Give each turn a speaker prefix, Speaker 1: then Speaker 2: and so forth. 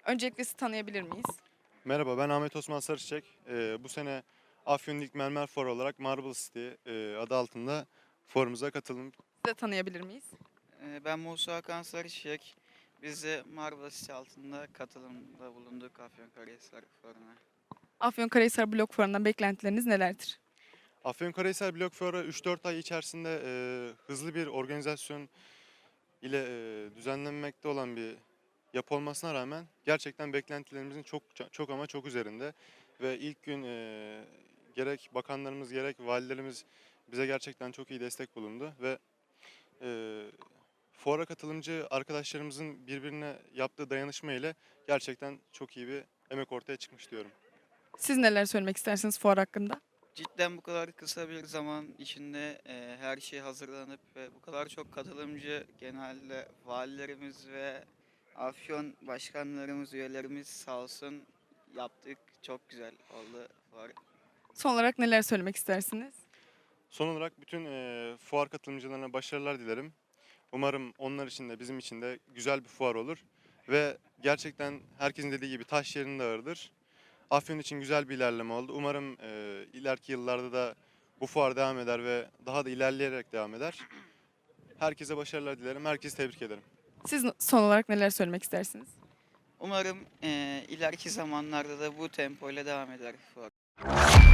Speaker 1: Öncelikle sizi tanıyabilir miyiz?
Speaker 2: Merhaba, ben Ahmet Osman Sarıçek. Bu sene Afyon İlk Mermer Fuarı olarak Marble City adı altında fuarımıza katıldım.
Speaker 1: Sizi de tanıyabilir miyiz?
Speaker 3: Ben Musa Hakan Sarıçek. Biz de Marmaris altında katılımda bulunduk Afyonkarahisar Fuarı'na.
Speaker 1: Afyonkarahisar Blok Fuarı'ndan beklentileriniz nelerdir?
Speaker 2: Afyonkarahisar Blok Fuarı 3-4 ay içerisinde hızlı bir organizasyon ile düzenlenmekte olan bir yapı olmasına rağmen gerçekten beklentilerimizin çok ama çok üzerinde. Ve ilk gün gerek bakanlarımız gerek valilerimiz bize gerçekten çok iyi destek bulundu ve e, fuara katılımcı arkadaşlarımızın birbirine yaptığı dayanışma ile gerçekten çok iyi bir emek ortaya çıkmış diyorum.
Speaker 1: Siz neler söylemek istersiniz fuar hakkında?
Speaker 3: Cidden bu kadar kısa bir zaman içinde her şey hazırlanıp ve bu kadar çok katılımcı genelde valilerimiz ve Afyon başkanlarımız, üyelerimiz sağ olsun yaptık. Çok güzel oldu fuar.
Speaker 1: Son olarak neler söylemek istersiniz?
Speaker 2: Son olarak bütün fuar katılımcılarına başarılar dilerim. Umarım onlar için de bizim için de güzel bir fuar olur. Ve gerçekten herkesin dediği gibi taş yerinde ağırdır. Afyon için güzel bir ilerleme oldu. Umarım ileriki yıllarda da bu fuar devam eder ve daha da ilerleyerek devam eder. Herkese başarılar dilerim. Herkesi tebrik ederim.
Speaker 1: Siz son olarak neler söylemek istersiniz?
Speaker 3: Umarım ileriki zamanlarda da bu tempoyla devam eder fuar.